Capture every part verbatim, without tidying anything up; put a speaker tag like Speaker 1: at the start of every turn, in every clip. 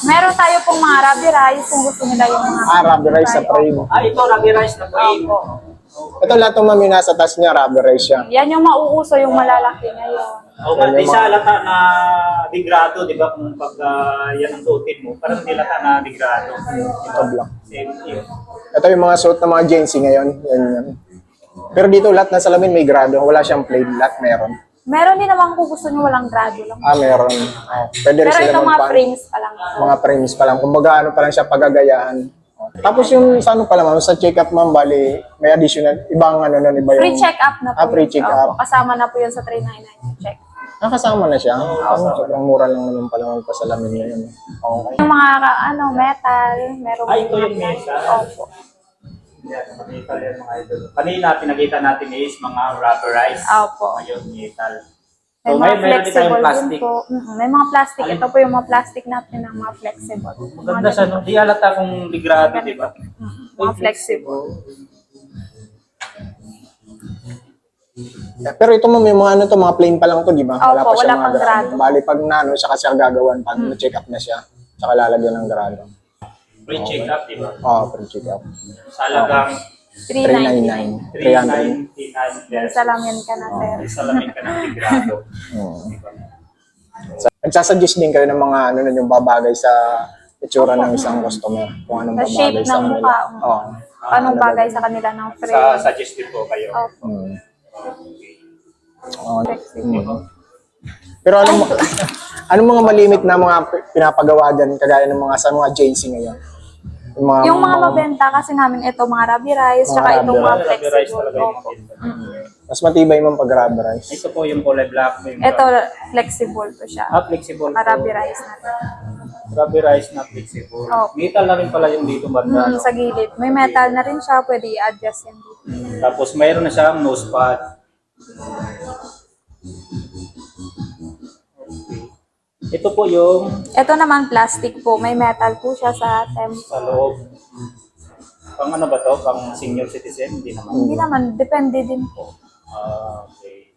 Speaker 1: Meron tayo pong mga Ruby Rice kung gusto nila yung mga...
Speaker 2: Ah, Ruby Rice sa frame.
Speaker 3: Ah, ito, Ruby Rice na frame.
Speaker 1: Opo.
Speaker 2: Ito lahat ng mami nasa taas niya, Ruby Rice siya.
Speaker 1: Yan yung mauuso, yung malalaki ngayon.
Speaker 3: O, ba't di sa lata na degrado, di ba? Kung pag uh, yan ang suotin mo, parang di lata na degrado.
Speaker 2: Ito black.
Speaker 3: Same yun.
Speaker 2: Ito yung mga suit ng mga Gen Z ngayon. Yan, yan. Pero dito lahat ng salamin may grado. Wala siyang plain. Lahat meron.
Speaker 1: Meron din naman kung gusto nyo walang grado lang.
Speaker 2: Ah, meron. Oh, pwede rin
Speaker 1: Pero
Speaker 2: sila
Speaker 1: ito mga
Speaker 2: magpa-
Speaker 1: frames pa lang.
Speaker 2: Mga frames pa lang. Kumbaga ano pa lang siya pagagayahan. Oh. Tapos yung sa ano pala ma'am, sa check-up ma'am, bali, may additional, ibang ano nun, iba yung...
Speaker 1: Free check-up na po.
Speaker 2: Ah, free
Speaker 1: yun.
Speaker 2: check-up.
Speaker 1: Opo, kasama na po yun sa three ninety-nine yung check.
Speaker 2: Ah, kasama na siya? Oo. Sobrang mura lang naman pala magpasalamin ngayon. Okay.
Speaker 1: Yung mga ano, metal, meron
Speaker 3: Ay, ito
Speaker 1: mga
Speaker 3: yung metal.
Speaker 1: Opo.
Speaker 3: Yan, metal yan mga idol. Kanina, pinakita natin is mga rubber rice.
Speaker 1: Opo.
Speaker 3: Ngayon, metal.
Speaker 1: May
Speaker 3: So,
Speaker 1: mga
Speaker 3: may meron din tayong
Speaker 1: flexible din
Speaker 3: plastic.
Speaker 1: po. Mhm, may mga plastic.
Speaker 3: Alin?
Speaker 1: Ito po yung mga plastic natin ng mga flexible.
Speaker 3: Maganda siya, no? Di alata kung degrado, di ba?
Speaker 1: Mhm, mga flexible.
Speaker 2: Eh, pero ito ma'am, yung mga ano to, mga plain pa lang to, di ba?
Speaker 1: Opo,
Speaker 2: pa siya
Speaker 1: wala
Speaker 2: mga
Speaker 1: pang grado.
Speaker 2: Bali, pag nano, siya kasi ang gagawan, pag na-check up na siya, saka lalagyan ng grado.
Speaker 3: Free check-up, di ba?
Speaker 2: Oo, oh, pre-check up.
Speaker 3: Sa halagang
Speaker 1: three
Speaker 2: three
Speaker 1: ninety-nine.
Speaker 2: ninety-nine. three hundred.
Speaker 3: three ninety-nine
Speaker 1: May
Speaker 3: pesos.
Speaker 1: salamin ka na, sir.
Speaker 3: May salamin ka ng degrado.
Speaker 2: Oo. Nagsasuggest din kayo ng mga ano na yung babagay sa itsura ng isang customer. Kung anong
Speaker 1: Sa shape
Speaker 2: babagay sa
Speaker 1: ng
Speaker 2: kanila.
Speaker 1: mukha.
Speaker 2: Oo.
Speaker 1: Anong bagay sa kanila ng
Speaker 3: Sa
Speaker 1: frame.
Speaker 3: suggestive po kayo.
Speaker 1: Opo.
Speaker 2: Mm. Oo.
Speaker 1: Flexible.
Speaker 2: Mm. Pero anong, anong mga malimit na mga pinapagawa dyan, kagaya ng mga sa mga Gen Z ngayon? Yung mga,
Speaker 1: Yung mga mabenta kasi namin ito, mga Ruby Rice,
Speaker 2: Mga
Speaker 1: tsaka
Speaker 2: Ruby
Speaker 1: itong mga
Speaker 3: Rubber rice
Speaker 1: flexible.
Speaker 3: talaga yung
Speaker 1: Opo.
Speaker 3: maganda.
Speaker 2: mas matibay mong pag-rubberized.
Speaker 3: Ito po yung kulay black. Yung
Speaker 1: Ito, flexible to siya.
Speaker 3: Ah, flexible
Speaker 1: Mga
Speaker 3: po.
Speaker 1: Ruby Rice natin.
Speaker 3: Rubber rice na flexible.
Speaker 1: Oh.
Speaker 3: Metal na rin pala yung dito banda.
Speaker 1: Hmm,
Speaker 3: no?
Speaker 1: sa gilid. May metal na rin siya, pwede i-adjust yan dito.
Speaker 3: Tapos mayroon na siyang nose pad. Okay. Ito po yung
Speaker 1: Ito naman plastic po, may metal po siya sa tempo.
Speaker 3: sa loob. Pang ano ba to? Pang senior citizen? Hindi naman.
Speaker 1: Hindi naman, depende din po.
Speaker 3: Ah, okay.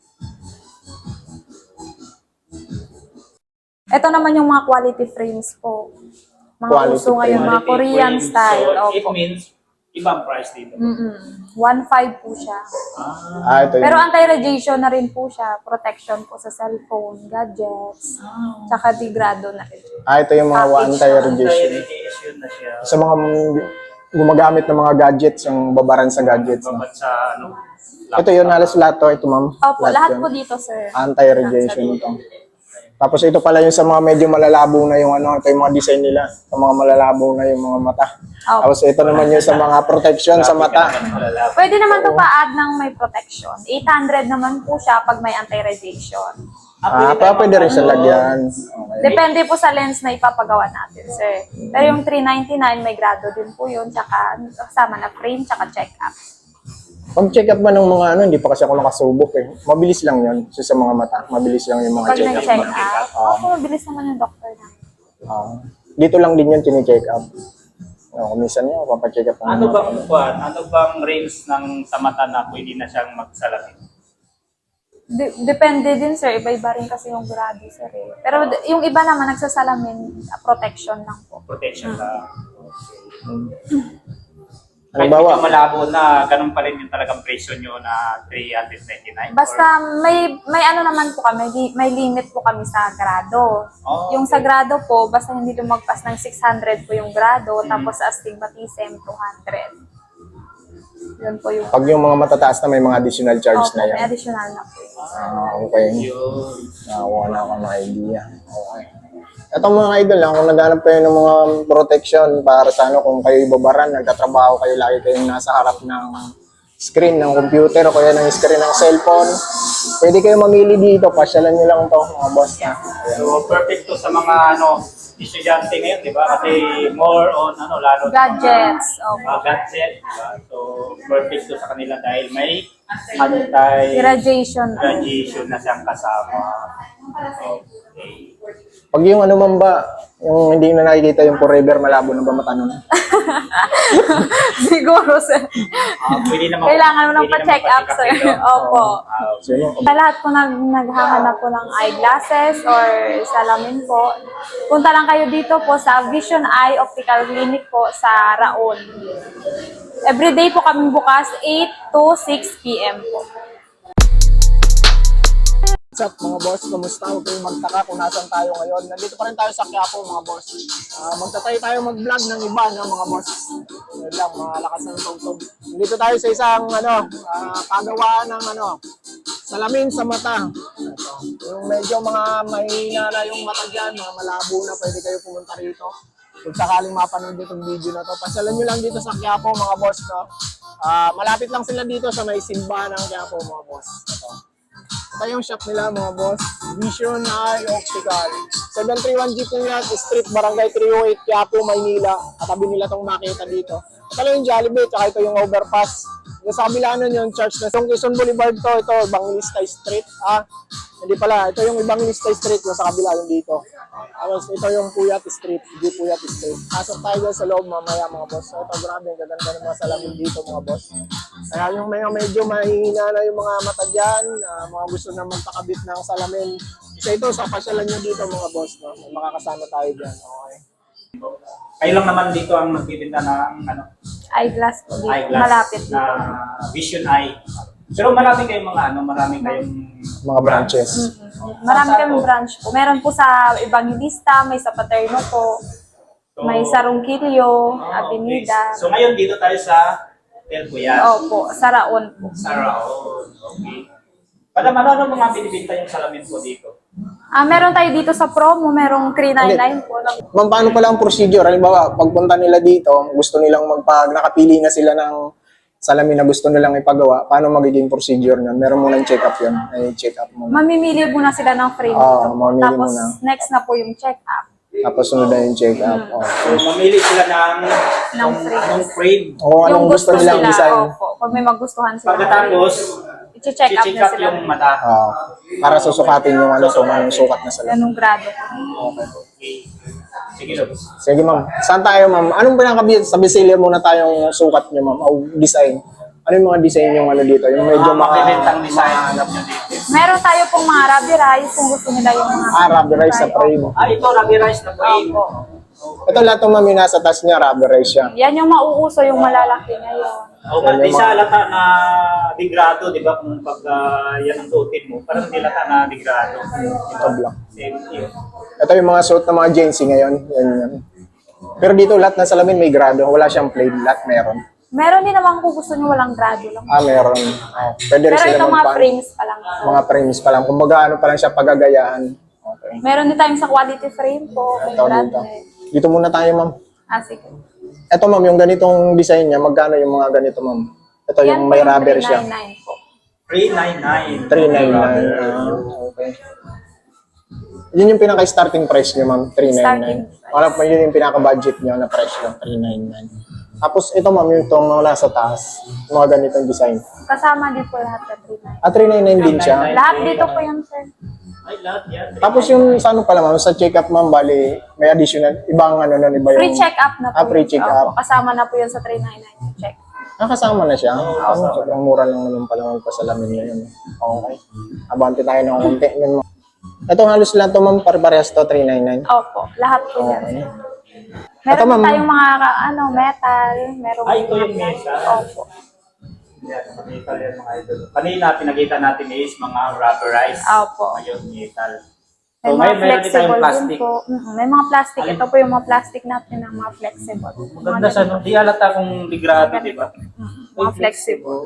Speaker 1: Ito naman yung mga quality frames po. Mga
Speaker 2: Quality
Speaker 1: uso ngayon, mga
Speaker 3: Quality
Speaker 1: Korean
Speaker 3: frame.
Speaker 1: style.
Speaker 3: So, it
Speaker 1: Opo.
Speaker 3: means ibang price dito.
Speaker 1: Mm-mm. one point five po siya.
Speaker 3: Ah,
Speaker 2: Ah, ito
Speaker 1: Pero
Speaker 2: yung,
Speaker 1: anti-radiation na rin po siya. Protection po sa cellphone, gadgets, tsaka degrado na rin.
Speaker 2: ah, ito yung mga anti-radiation.
Speaker 3: anti-radiation na siya.
Speaker 2: Sa mga gumagamit ng mga gadgets, yung babaran sa gadgets. No?
Speaker 3: Babat sa ano?
Speaker 2: Ito yun, halos lahat to. Ito ma'am.
Speaker 1: Opo, lahat
Speaker 2: yun.
Speaker 1: po dito, sir.
Speaker 2: Anti-radiation ito. Tapos ito pala yung sa mga medyo malalabo na yung ano, ito yung mga design nila. Sa mga malalabo na yung mga mata.
Speaker 1: Opo.
Speaker 2: Tapos ito naman yung sa mga protection sa mata.
Speaker 1: Pwede naman to pa-add ng may protection. eight hundred naman po siya pag may anti-radiation.
Speaker 2: Ah, pa pwede rin sa lagyan. Okay.
Speaker 1: Depende po sa lens na ipapagawa natin, sir. Pero yung three ninety-nine, may grado din po yun. Tsaka kasama na frame, tsaka check-up.
Speaker 2: Pag check up man ng mga ano, hindi pa kasi ako nakasubok eh. Mabilis lang yun. So, sa mga mata, mabilis lang yung mga
Speaker 1: Pag
Speaker 2: check up.
Speaker 1: nag-check up, opo, mabilis naman yung doctor na.
Speaker 2: Ah, dito lang din yun tini-check up. Oh, minsan niya, papacheck up. ng
Speaker 3: Ano
Speaker 2: mga-
Speaker 3: bang kuan? Ano bang range ng sa mata na pwede na siyang magsalamin?
Speaker 1: De- depende din, sir. Iba-iba rin kasi yung grado, sir. Eh. Pero d- yung iba naman, nagsasalamin, uh, protection lang po.
Speaker 3: Protection lang. Kahit
Speaker 2: Halimbawa,
Speaker 3: medyo malabo na, ganun pa rin yung talagang presyo nyo na three ninety-nine?
Speaker 1: Basta may may ano naman po kami, li- may limit po kami sa grado.
Speaker 3: Oh,
Speaker 1: Yung sa grado po, basta hindi lumagpas ng six hundred po yung grado, tapos astigmatism two hundred. Yun po yung
Speaker 2: pag yung mga matataas na may mga additional charge
Speaker 1: Opo,
Speaker 2: na
Speaker 1: may
Speaker 2: yan.
Speaker 1: additional na po.
Speaker 2: Ah, okay.
Speaker 3: Yun.
Speaker 2: Nakakuha na ako ng idea. Okay. Itong mga idol lang, kung naghanap kayo ng mga protection para sa ano, kung kayo ibabaran, nagtatrabaho kayo, lagi kayong nasa harap ng screen ng computer o kaya ng screen ng cellphone, pwede kayo mamili dito, pasyalan nyo lang to mga boss. Ha? Ayan.
Speaker 3: So, perfect to sa mga ano estudyante ngayon, di ba? Kasi more on ano, lalo sa
Speaker 1: Gadgets.
Speaker 3: mga,
Speaker 1: Opo.
Speaker 3: mga gadget, di ba? So, perfect to sa kanila dahil may anti-radiation
Speaker 1: Irradiation.
Speaker 3: na siyang kasama. Okay.
Speaker 2: Pag yung ano man ba, yung hindi na nakikita yung forever malabo na ba mata nun?
Speaker 1: Siguro, sir.
Speaker 3: Ah, pwede naman.
Speaker 1: Kailangan mo nang
Speaker 3: pwede
Speaker 1: pa-check
Speaker 3: naman
Speaker 1: up, sir.
Speaker 3: pa-check up.
Speaker 1: Opo.
Speaker 3: Ah,
Speaker 2: Sino?
Speaker 1: Sa lahat po nag, naghahanap po ng eyeglasses or salamin po, punta lang kayo dito po sa Vision Eye Optical Clinic po sa Raon. Everyday po kami bukas, eight to six p m po.
Speaker 2: What's up mga boss? Kamusta? Huwag kayong magtaka kung nasan tayo ngayon. Nandito pa rin tayo sa Quiapo mga boss. Uh, magtatry tayo mag-vlog ng iba no, mga boss. Yun lang, malakas ng tungtog. Nandito tayo sa isang ano, uh, pagawaan ng ano, salamin sa mata. Ito. Yung medyo mga mahina na yung mata dyan, mga malabo na, pwede kayo pumunta rito. Kung sakaling mapanood itong video na to, pasyalan nyo lang dito sa Quiapo mga boss. No? Uh, malapit lang sila dito sa may simbahan ng Quiapo mga boss. Ito. Ito yung shop nila mga boss, Vision Eye Optical. seven three one G Puyat Street, Barangay three oh eight, Quiapo, Maynila. Katabi nila itong makita dito. Ito lang yung Jollibee, tsaka ito yung overpass. Yung sa kabila nun yung church na yung Quezon Boulevard to, ito, Evangelista Street. Ah, hindi pala, ito yung Evangelista Street, yung sa kabila yung dito. Tapos ito yung Puyat Street, G Puyat Street. Pasok tayo dyan sa loob mamaya mga boss. So, ito grabe, ang gaganda ng mga salamin dito mga boss. Kaya yung may medyo mahihina na yung mga mata dyan, uh, mga gusto na magpakabit ng salamin. Isa ito, sa pasyalan nyo dito mga boss. No? Makakasama tayo dyan. Okay.
Speaker 3: Kayo lang naman dito ang nagbibenta ng ano,
Speaker 1: Eyeglass po dito,
Speaker 3: eyeglass
Speaker 1: malapit dito.
Speaker 3: na Vision Eye. Pero marami kayong mga ano, marami kayong
Speaker 2: Mga branches.
Speaker 1: Mm-hmm. Marami kami branch po. Meron po sa Evangelista, may sa Paterno po,
Speaker 3: So,
Speaker 1: may sa Ronquillo,
Speaker 3: ah,
Speaker 1: Avenida.
Speaker 3: okay. So ngayon dito tayo sa Del Puyat.
Speaker 1: Opo, sa Raon po.
Speaker 3: Sa Raon. Okay. Para ano ano mga binibenta yung salamin po dito?
Speaker 1: Ah, meron tayo dito sa promo, merong three ninety-nine po.
Speaker 2: Ma'am, paano pala ang procedure? Halimbawa, pagpunta nila dito, gusto nilang magpag nakapili na sila ng salamin na gusto nilang ipagawa, paano magiging procedure niyan? Meron munang check-up yun. Ay, check-up muna.
Speaker 1: Mamimili muna sila ng frame
Speaker 2: Oo,
Speaker 1: dito.
Speaker 2: mamili
Speaker 1: Tapos
Speaker 2: muna.
Speaker 1: next na po yung check-up.
Speaker 2: Tapos sunod na yung check-up.
Speaker 1: Hmm.
Speaker 2: Okay.
Speaker 3: So mamili sila ng
Speaker 1: Ng frame.
Speaker 3: ng frame.
Speaker 2: O anong gusto nilang design?
Speaker 1: Opo, pag may magustuhan sila.
Speaker 3: Pagkatapos,
Speaker 1: i-check up
Speaker 3: i-check
Speaker 1: na
Speaker 3: up
Speaker 1: sila.
Speaker 3: yung mata.
Speaker 2: Ah, para susukatin yung ano, kung anong sukat na salamin.
Speaker 1: Anong grado.
Speaker 3: Okay. Sige, Lord.
Speaker 2: Sige ma'am. Saan tayo ma'am? Anong pinakabi sa Bisilia muna tayong sukat niyo ma'am? O design? Ano yung mga design yung ano dito? Yung medyo
Speaker 3: Mga
Speaker 2: mga...
Speaker 3: mabibentang design alam nyo dito.
Speaker 1: Meron tayo pong mga Rabi Rice kung gusto nila yung mga...
Speaker 2: Ah, rubber rice sa frame.
Speaker 3: Ah, ito, Rabi Rice na frame.
Speaker 1: Opo.
Speaker 2: Ito lahat ng ma'am yung nasa taas niya, rubber rice siya.
Speaker 1: Yan yung mauuso, yung malalaki ngayon.
Speaker 3: O,
Speaker 2: Yan
Speaker 3: di
Speaker 2: yung
Speaker 3: sa
Speaker 2: mga-
Speaker 3: lata na degrado, di ba? Kung pag ah, yan ang suotin mo, parang di lata na degrado.
Speaker 2: Ito black.
Speaker 3: Same yun.
Speaker 2: Ito yung mga suot ng mga Gen Z ngayon. Yan, yan. Pero dito lahat ng salamin may grado. Wala siyang plain. Lahat meron.
Speaker 1: Meron din naman kung gusto nyo walang grado lang.
Speaker 2: Ah, meron. Oh, pwede rin
Speaker 1: Pero
Speaker 2: sila
Speaker 1: ito mga
Speaker 2: magpa-
Speaker 1: frames pa lang.
Speaker 2: Mga frames pa lang. Kumbaga ano pa lang siya pagagayaan. Okay.
Speaker 1: Meron din tayong sa quality frame po. May
Speaker 2: Ito
Speaker 1: brand
Speaker 2: dito.
Speaker 1: eh.
Speaker 2: Dito muna tayo ma'am.
Speaker 1: Ah, sige.
Speaker 2: Ito ma'am, yung ganitong design niya, magkano yung mga ganito ma'am? Ito
Speaker 1: Yan
Speaker 2: yung
Speaker 1: po
Speaker 2: may
Speaker 1: yung
Speaker 2: rubber siya.
Speaker 1: three ninety-nine po.
Speaker 3: three ninety-nine.
Speaker 2: three ninety-nine. Ah, okay. Yun yung pinaka-starting price niyo ma'am, three ninety-nine.
Speaker 1: Starting price.
Speaker 2: Wala pa yun yung pinaka-budget niyo na price lang, three ninety-nine. Tapos ito ma'am, yung itong mga nasa taas, mga ganitong design.
Speaker 1: Kasama din po lahat ng three ninety-nine.
Speaker 2: Ah, three ninety-nine din siya.
Speaker 1: Lahat dito po yan, sir.
Speaker 3: Ay, lahat yan.
Speaker 2: Tapos yung sa ano pala ma'am, sa check-up ma'am, bali, may additional, ibang ano nun, iba yung...
Speaker 1: Free check-up na po.
Speaker 2: Ah, free
Speaker 1: yun.
Speaker 2: check-up.
Speaker 1: Opo, kasama na po yun sa three ninety-nine yung check.
Speaker 2: Ah, kasama na siya. Ano, sobrang mura lang naman pala magpasalamin ngayon. Okay. Abante tayo ng konti. Yun, ma'am. Ito halos lang to ma'am, pare-parehas to, three ninety-nine.
Speaker 1: Opo, lahat po yan.
Speaker 2: Okay.
Speaker 1: Meron
Speaker 2: Ito,
Speaker 1: din
Speaker 2: ma'am.
Speaker 1: tayong mga ano, metal. Meron
Speaker 3: Ay, ito yung metal.
Speaker 1: Opo.
Speaker 3: Yan, metal yan mga idol. Kanina, pinakita natin is mga rubberized.
Speaker 1: Opo.
Speaker 3: Ngayon, metal.
Speaker 1: May
Speaker 3: So,
Speaker 1: mga
Speaker 3: ngayon, meron din tayong
Speaker 1: flexible din
Speaker 3: plastic.
Speaker 1: po. Mm-mm, may mga plastic.
Speaker 3: Alin?
Speaker 1: Ito po yung mga plastic natin ng mga flexible.
Speaker 3: Maganda sa no. Di alata kung degrado, di ba?
Speaker 1: Mm, mga flexible.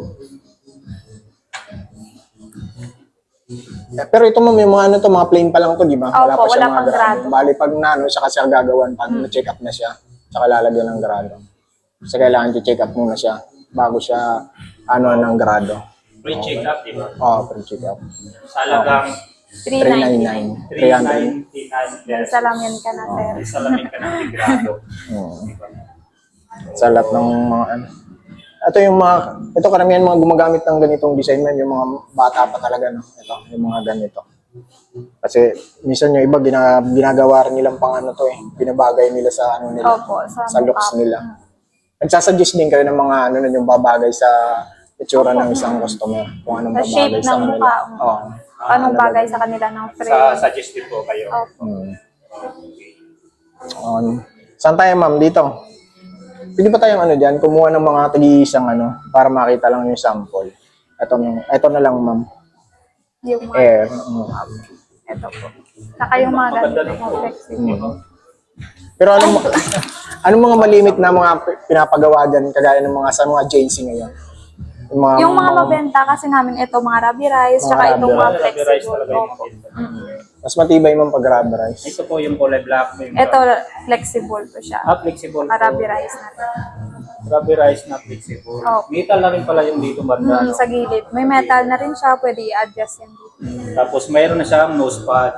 Speaker 2: Eh, pero ito ma'am, yung mga ano to, mga plain pa lang to, di ba?
Speaker 1: Opo,
Speaker 2: pa siya
Speaker 1: wala
Speaker 2: mga
Speaker 1: pang grado.
Speaker 2: Bali, pag nano, siya kasi ang gagawan pag na-check up na siya, saka lalagyan ng grado. Kasi kailangan i-check up muna siya bago siya ano ng grado.
Speaker 3: Pre-check up, di ba?
Speaker 2: Oo, pre-check up.
Speaker 3: Sa halagang
Speaker 1: three
Speaker 2: three
Speaker 1: ninety-nine.
Speaker 2: ninety-nine. three hundred.
Speaker 3: three ninety-nine
Speaker 1: May
Speaker 3: pesos.
Speaker 1: salamin ka na, sir.
Speaker 3: May salamin ka ng degrado.
Speaker 2: Oo. Sa lahat ng mga ano. Ito yung mga, ito karamihan mga gumagamit ng ganitong design man, yung mga bata pa talaga, no? Ito, yung mga ganito. Kasi minsan yung iba gina, ginagawa rin nilang pang ano to eh, binabagay nila sa ano nila,
Speaker 1: Opo, sa,
Speaker 2: sa looks
Speaker 1: mukha.
Speaker 2: nila. Nagsasuggest din kayo ng mga ano na yung babagay sa itsura ng isang customer, kung anong
Speaker 1: Sa shape
Speaker 2: babagay sa
Speaker 1: ng
Speaker 2: kanila.
Speaker 1: mukha.
Speaker 2: Oo.
Speaker 1: Anong bagay sa kanila ng frame.
Speaker 3: Sa suggestive po kayo.
Speaker 1: Opo.
Speaker 2: Hmm. Um, saan tayo ma'am? Dito. Pwede ba tayong ano dyan, kumuha ng mga tagi-isang ano, para makita lang yung sample. Ito, ito na lang ma'am.
Speaker 1: Yung mga,
Speaker 2: Air. Mm.
Speaker 1: ito po. Saka yung mga ganito po, flexible.
Speaker 2: Mm. Pero anong, anong mga malimit na mga pinapagawa dyan, kagaya ng mga sa mga J C ngayon? Yung mga,
Speaker 1: Yung mga mabenta kasi namin ito, mga Rabi Rice,
Speaker 2: Mga
Speaker 1: tsaka
Speaker 2: Rabi
Speaker 1: itong mga
Speaker 3: Rubber rice
Speaker 1: flexible.
Speaker 3: talaga yung
Speaker 1: Opo.
Speaker 3: maganda.
Speaker 2: mas matibay mong pag-rubberize.
Speaker 3: Ito po yung kulay black. Yung
Speaker 1: Ito, flexible po siya.
Speaker 3: Ah, flexible
Speaker 1: Mga Rabi
Speaker 3: po.
Speaker 1: Rice natin.
Speaker 3: Rubber rice na flexible.
Speaker 1: Oh.
Speaker 3: Metal na rin pala yung dito banda.
Speaker 1: Mm,
Speaker 3: no?
Speaker 1: sa gilid. May metal na rin siya, pwede i-adjust yan dito.
Speaker 3: Tapos mayroon na siyang nose pad.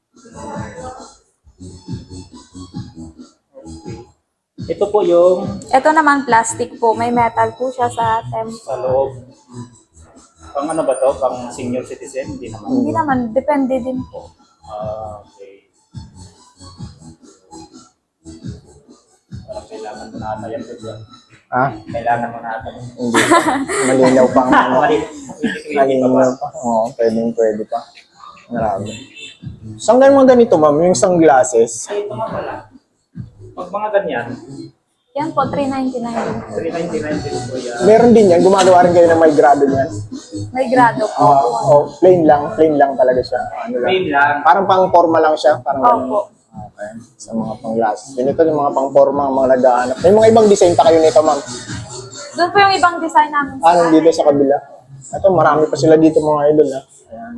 Speaker 3: Okay. Ito po yung
Speaker 1: Ito naman plastic po, may metal po siya sa tempo.
Speaker 3: sa loob. Pang ano ba to? Pang senior citizen? Hindi naman.
Speaker 1: Hindi naman, depende din po.
Speaker 3: Ah, okay. Parang kailangan mo na ata yan. Pedro.
Speaker 2: Ah,
Speaker 3: Kailangan mo na ata.
Speaker 2: hindi. Malinaw pang ano.
Speaker 3: Mali- Hindi pa ba?
Speaker 2: Malinaw pa. Oo, pwedeng pwede pa. Marami. Saan ganun mga ganito ma'am? Yung sunglasses?
Speaker 3: Ay, ito nga pala. Pag mga ganyan,
Speaker 1: Yan po, three ninety-nine din po.
Speaker 3: three ninety-nine din po yan.
Speaker 2: Meron din yan. Gumagawa rin kayo ng may grado niyan.
Speaker 1: May grado po.
Speaker 2: Oo, oh, plain lang. Plain lang talaga siya. Ano lang.
Speaker 3: Plain lang.
Speaker 2: Parang pang forma lang siya. Parang ganun.
Speaker 1: Opo.
Speaker 2: Okay. Sa mga pang glasses. Ganito yung mga pang forma, mga nag-aanap. May mga ibang design pa kayo nito ma'am.
Speaker 1: Doon po yung ibang design namin.
Speaker 2: Ah, nandito sa kabila. Ito, marami pa sila dito mga idol. Ha? Ayan.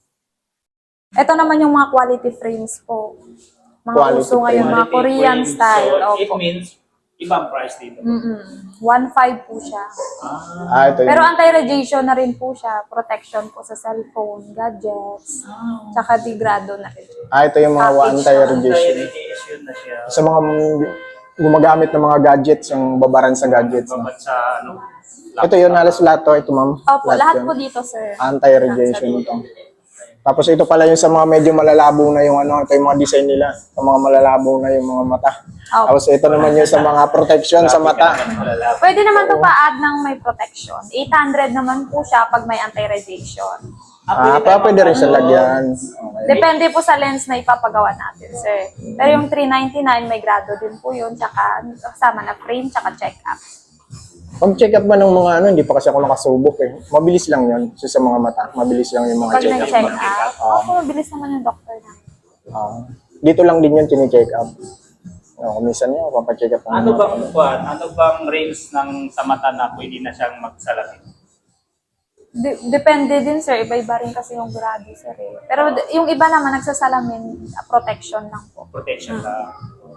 Speaker 1: Ito naman yung mga quality frames po. Mga
Speaker 2: Quality
Speaker 1: uso ngayon, mga
Speaker 3: Quality
Speaker 1: Korean
Speaker 3: frame.
Speaker 1: style.
Speaker 3: So, it
Speaker 1: Opo.
Speaker 3: means, ibang price dito.
Speaker 1: Mm-mm. one point five po siya.
Speaker 3: Ah,
Speaker 2: Ah, ito
Speaker 1: Pero
Speaker 2: yung...
Speaker 1: anti-radiation na rin po siya. Protection po sa cellphone, gadgets, tsaka degrado na rin.
Speaker 2: Ah, ito yung mga anti-radiation.
Speaker 3: anti-radiation na siya.
Speaker 2: Sa mga gumagamit ng mga gadgets, yung babaran sa gadgets. No?
Speaker 3: Babat sa ano.
Speaker 2: Ito yun, halos lahat to. Ito ma'am.
Speaker 1: Opo, lahat
Speaker 2: yun.
Speaker 1: po dito, sir.
Speaker 2: Anti-radiation ito. Tapos ito pala yung sa mga medyo malalabo na yung ano, ito yung mga design nila. Sa mga malalabo na yung mga mata.
Speaker 1: Opo.
Speaker 2: Tapos ito naman yung sa mga protection sa mata.
Speaker 1: Pwede naman to pa-add ng may protection. eight hundred naman po siya pag may anti-radiation.
Speaker 2: Ah, pa pwede rin siya lagyan. Okay.
Speaker 1: Depende po sa lens na ipapagawa natin, sir. Pero yung three ninety-nine, may grado din po yun. Tsaka kasama na frame, tsaka check-up.
Speaker 2: Pag-check up ba ng mga ano, hindi pa kasi ako nakasubok eh. Mabilis lang yun. So, sa mga mata, mabilis lang yung mga
Speaker 1: Pag
Speaker 2: check up.
Speaker 1: nag-check up, opo, mabilis naman yung doctor na.
Speaker 2: Ah, dito lang din yun, tini-check up. Oh, minsan yun, papacheck up. ng
Speaker 3: Ano
Speaker 2: mga-
Speaker 3: bang kuwan? Ano bang range ng sa mata na pwede na siyang magsalamin?
Speaker 1: De- depende din, sir. Iba-iba rin kasi yung grado, sir. Eh. Pero d- yung iba naman, nagsasalamin, ah, protection lang po.
Speaker 3: Protection lang.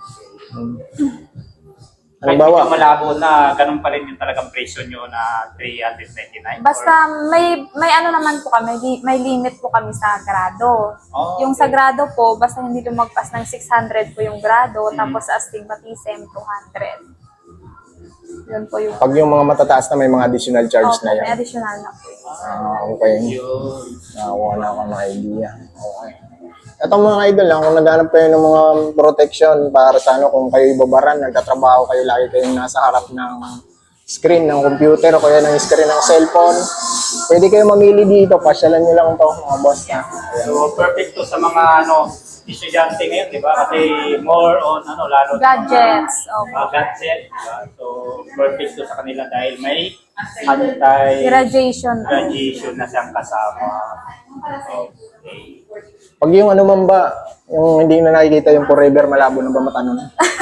Speaker 2: Halimbawa,
Speaker 3: Kahit medyo malabo na ganun pa rin yung talagang presyo nyo na three ninety-nine?
Speaker 1: Basta may may ano naman po kami, li- may limit po kami sa grado.
Speaker 3: Oh,
Speaker 1: Yung sa grado po, basta hindi lumagpas ng six hundred po yung grado, tapos sa astigmatism, two hundred. Yun po yung
Speaker 2: pag yung mga matataas na may mga additional charge
Speaker 1: Opo,
Speaker 2: na
Speaker 1: may
Speaker 2: yan.
Speaker 1: additional na po.
Speaker 2: Ah, okay.
Speaker 3: Yun.
Speaker 2: Nakakuha na ako ng idea. Okay. Itong mga idol lang, kung naghanap kayo ng mga protection para sa ano, kung kayo ibabaran, nagtatrabaho kayo, lagi kayong nasa harap ng screen ng computer o kaya ng screen ng cellphone, pwede kayo mamili dito. Pasyalan nyo lang to mga boss. Ha? Ayan.
Speaker 3: So, perfect to sa mga ano estudyante ngayon, di ba? Kasi more on ano, lalo sa
Speaker 1: Gadgets.
Speaker 3: mga,
Speaker 1: Opo.
Speaker 3: mga gadget, di ba? So, perfect to sa kanila dahil may anti-radiation
Speaker 1: Irradiation.
Speaker 3: na siyang kasama. Okay.
Speaker 2: Pag yung ano man ba, yung hindi na nakikita yung forever malabo na ba mata nun?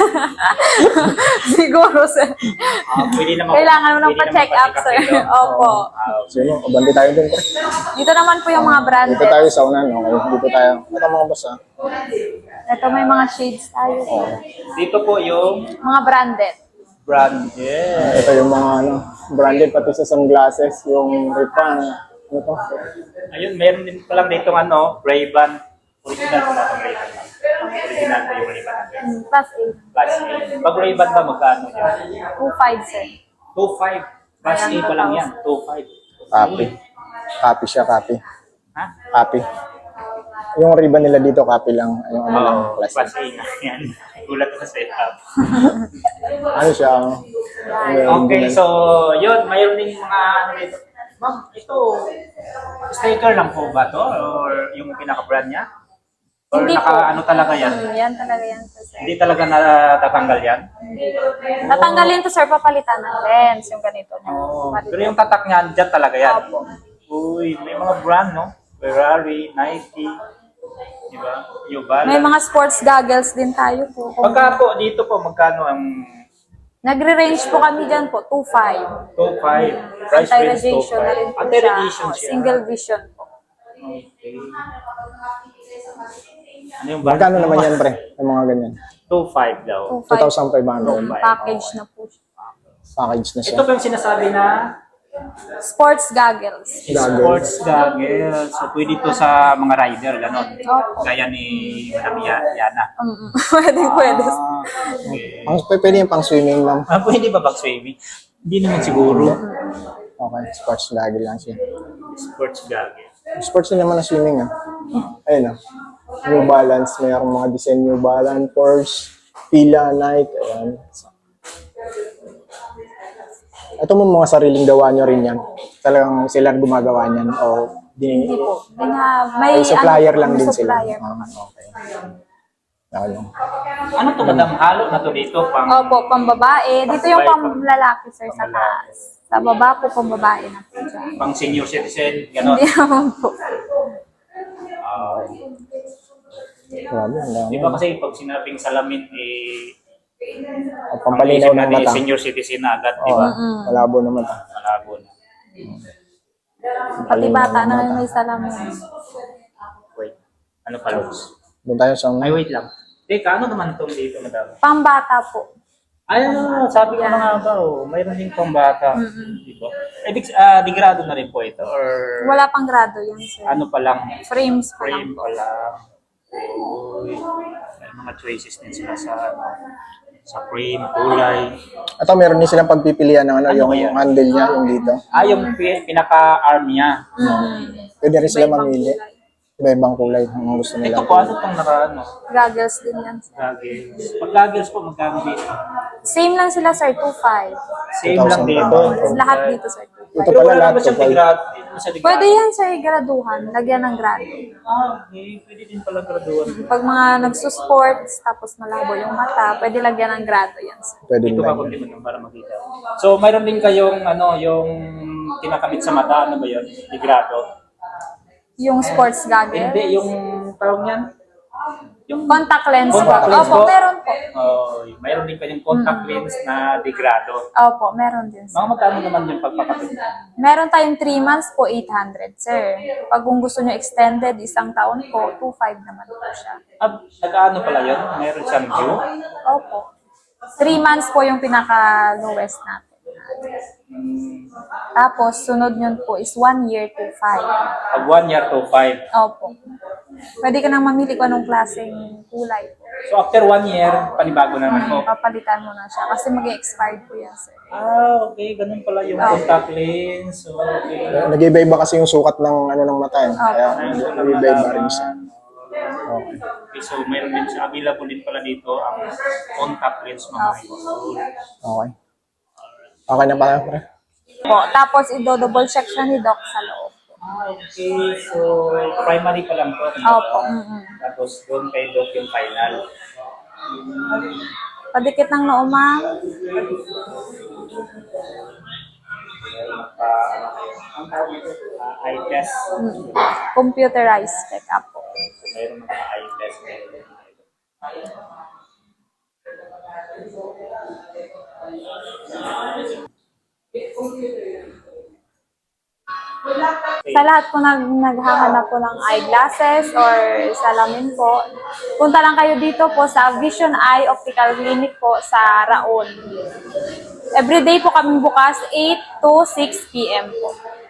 Speaker 1: Siguro, sir.
Speaker 3: Ah, pwede naman,
Speaker 1: Kailangan mo nang
Speaker 3: pwede
Speaker 1: pa-check
Speaker 3: naman
Speaker 1: up, sir.
Speaker 3: pa-check up.
Speaker 1: Opo.
Speaker 3: Ah,
Speaker 2: Sino? Kabandi tayo dun. Pre.
Speaker 1: Dito naman po yung mga branded.
Speaker 2: Dito tayo sa unan. Okay, dito tayo. Ito mga boss ha.
Speaker 1: Ito may mga shades tayo.
Speaker 3: dito po yung
Speaker 1: Mga branded.
Speaker 3: branded.
Speaker 2: Ito yung mga ano, branded pati sa sunglasses, yung Ripan. Ano to?
Speaker 3: Ayun, meron din palang dito ano, Ray-Ban. Original po na itong Ray-Ban. Original po yung Ray-Ban natin.
Speaker 1: Mm, Plus eight.
Speaker 3: Plus A. Pag Ray-Ban ba, magkano yan?
Speaker 1: two five, sir.
Speaker 3: two five. Plus A pa lang yan. two five.
Speaker 2: Copy. Copy siya, copy.
Speaker 3: Ha?
Speaker 2: Copy. yung ribbon nila dito, copy lang. Yung ano lang,
Speaker 3: Oo,
Speaker 2: plastic.
Speaker 3: class A nga yan. Gulat ko sa setup.
Speaker 2: Ano siya? yung
Speaker 3: Okay,
Speaker 2: ribbon.
Speaker 3: so yun, mayroon din mga ano dito. Ma'am, ito, sticker lang po ba to? Or yung pinaka-brand niya? Or
Speaker 1: Hindi
Speaker 3: naka,
Speaker 1: po.
Speaker 3: ano talaga yan?
Speaker 1: Hmm, yan talaga yan po, sir.
Speaker 3: Hindi talaga natatanggal yan?
Speaker 1: Tatanggalin to, sir, papalitan ng lens, yung ganito.
Speaker 3: Oo.
Speaker 1: Papalitan.
Speaker 3: Pero yung tatak niya, dyan talaga yan?
Speaker 1: Opo.
Speaker 3: Uy, may mga brand, no? Ferrari, Nike, di ba? New Balance.
Speaker 1: May mga sports goggles din tayo po. Kung-
Speaker 3: Pagka po, dito po, magkano ang
Speaker 1: Nagre-range po kami dyan po, two point five.
Speaker 3: top five? Price range top
Speaker 1: Anti-radiation na rin
Speaker 3: five.
Speaker 1: po
Speaker 3: Anti-radiation
Speaker 1: siya.
Speaker 3: siya.
Speaker 1: Single vision po.
Speaker 3: Okay. Ano yung brand?
Speaker 2: Magkano naman yan, pre? Yung mga ganyan.
Speaker 3: two point five daw.
Speaker 1: two point
Speaker 2: two
Speaker 1: five.
Speaker 2: thousand five hundred.
Speaker 1: Package na po siya.
Speaker 2: Package na siya.
Speaker 3: Ito po yung sinasabi na
Speaker 1: Sports goggles.
Speaker 2: Goggles.
Speaker 3: sports goggles. So, pwede to sa mga rider, gano'n.
Speaker 1: Opo.
Speaker 3: Gaya ni Madam Ya- Yana.
Speaker 1: Mm, pwede, pwede.
Speaker 3: Ah, okay.
Speaker 2: Ang p- pwede yung pang swimming, ma'am.
Speaker 3: Ah, pwede ba bag swimming? Hindi naman siguro.
Speaker 2: Okay, sports gagawin lang siya.
Speaker 3: Sports goggles.
Speaker 2: Sports din naman na swimming, ah. Ayun, ah. New Balance, mayroong mga design New Balance, Porsche, Fila, Nike, ayan. Ito mo mga sariling gawa nyo rin yan. Talagang sila gumagawa niyan o di,
Speaker 1: Hindi po. May, nga- may
Speaker 2: ay, supplier
Speaker 1: ano,
Speaker 2: lang din sila.
Speaker 1: supplier po.
Speaker 2: Ah, okay. Ayun.
Speaker 3: Ano to, Madam? Halo na to dito? Pang...
Speaker 1: Opo, pambabae. Dito yung pamlalaki, sir, sa
Speaker 3: Pamlalaki.
Speaker 1: taas. Sa baba po, pambabae na po dyan.
Speaker 3: Pang senior citizen, gano'n.
Speaker 1: Hindi naman po.
Speaker 3: Ah,
Speaker 2: Grabe, ang dami.
Speaker 3: di ba kasi pag sinabing salamin, eh,
Speaker 2: O, pampalinaw
Speaker 3: ang isip
Speaker 2: ng
Speaker 3: natin,
Speaker 2: mata.
Speaker 3: senior citizen na agad, di
Speaker 2: Oo,
Speaker 3: ba?
Speaker 2: malabo naman. ah.
Speaker 3: Malabo na.
Speaker 1: Pati bata na may salamin.
Speaker 3: Wait, ano pa, Luz?
Speaker 2: Doon tayo sa
Speaker 3: Ay, wait lang. Teka, ano naman itong dito, Madam?
Speaker 1: Pambata po.
Speaker 3: Ay, ano, sabi ko na nga ba, oh, mayroon din pang bata. Di ba? Eh, di, ah, digrado na rin po ito, or
Speaker 1: Wala pang grado yan, sir.
Speaker 3: ano pa lang,
Speaker 1: Frames pa lang
Speaker 3: frame
Speaker 1: po.
Speaker 3: pa lang. Uy, may mga choices din sila sa, ano, sa frame, kulay.
Speaker 2: Ito, meron din silang pagpipilian ng ano,
Speaker 3: Ano
Speaker 2: yung
Speaker 3: ba yan?
Speaker 2: handle niya, yung dito.
Speaker 3: Ah, yung pi- pinaka-arm niya.
Speaker 2: Pwede rin sila
Speaker 1: Iba-ibang
Speaker 2: mamili.
Speaker 1: kulay.
Speaker 2: Iba-ibang kulay ang gusto nila.
Speaker 3: Ito po, ano itong naka, ano?
Speaker 1: Goggles din yan, sir.
Speaker 3: Goggles. Pag goggles po, magkano dito?
Speaker 1: Same lang sila, sir, two point five.
Speaker 3: Same lang dito.
Speaker 1: Lahat dito, sir. two point five.
Speaker 2: Ito
Speaker 3: Pero
Speaker 2: pala
Speaker 3: wala
Speaker 2: lahat
Speaker 3: naman siyang
Speaker 2: to,
Speaker 3: digrado. Hindi naman siya digrado.
Speaker 1: Pwede yan, sir, graduhan. Lagyan ng grado.
Speaker 3: Ah, okay. Pwede din pala graduan.
Speaker 1: Pag mga nagsusports, tapos malabo yung mata, pwede lagyan ng grado yan, sir.
Speaker 2: Pwede
Speaker 3: Dito
Speaker 2: nila.
Speaker 3: ka kunti mo para makita. So, mayroon din kayong, ano, yung kinakabit sa mata, ano ba yun? Digrado.
Speaker 1: Yung sports goggles.
Speaker 3: Hindi, yung tawag niyan? Yung
Speaker 1: Contact lens
Speaker 3: Contact
Speaker 1: po.
Speaker 3: lens
Speaker 1: Opo,
Speaker 3: po?
Speaker 1: meron po.
Speaker 3: Oh, mayroon din kayong contact lens na digrado.
Speaker 1: Opo, meron din, sir.
Speaker 3: Mga magkano naman yung pagpapakit?
Speaker 1: Meron tayong three months po, eight hundred, sir. Pag kung gusto nyo extended, isang taon po, two point five naman po siya.
Speaker 3: Ah, nag-ano pala yun? Mayroon siyang view?
Speaker 1: Opo. three months po yung pinaka-lowest natin.
Speaker 3: Hmm,
Speaker 1: Tapos, sunod yun po is one year to five.
Speaker 3: pag one year to five.
Speaker 1: Opo. Pwede ka nang mamili kung anong klaseng kulay po.
Speaker 3: So, after one year, panibago naman po.
Speaker 1: Papalitan mo na siya kasi mag-expired po yan, sir.
Speaker 3: Ah, okay. Ganun pala yung
Speaker 1: Ah.
Speaker 3: contact lens. So, okay.
Speaker 2: Nag-iba-iba kasi yung sukat ng ano ng mata eh. Kaya
Speaker 3: Ayun ko lang
Speaker 2: nag-iba-iba rin
Speaker 3: malaman.
Speaker 2: siya. Okay.
Speaker 3: Okay, so mayroon din siya. Available din pala dito ang contact lens mga idol.
Speaker 2: Okay. Okay na pala, pre?
Speaker 1: Po, tapos i-double check siya ni Doc sa loob.
Speaker 3: Ah, okay. So, primary pa lang to.
Speaker 1: Opo. mm-mm.
Speaker 3: Tapos doon kay Doc yung final.
Speaker 1: Padikit ng noo, ma'am.
Speaker 3: Meron pa, ano kayo? Ang tawag nito? Ah, eye test.
Speaker 1: Mm. Computerized check-up po.
Speaker 3: So, mayroon mga eye test.
Speaker 1: Sa lahat po nag naghahanap po ng eyeglasses or salamin po, punta lang kayo dito po sa Vision Eye Optical Clinic po sa Raon. Everyday po kami bukas eight to six p m po.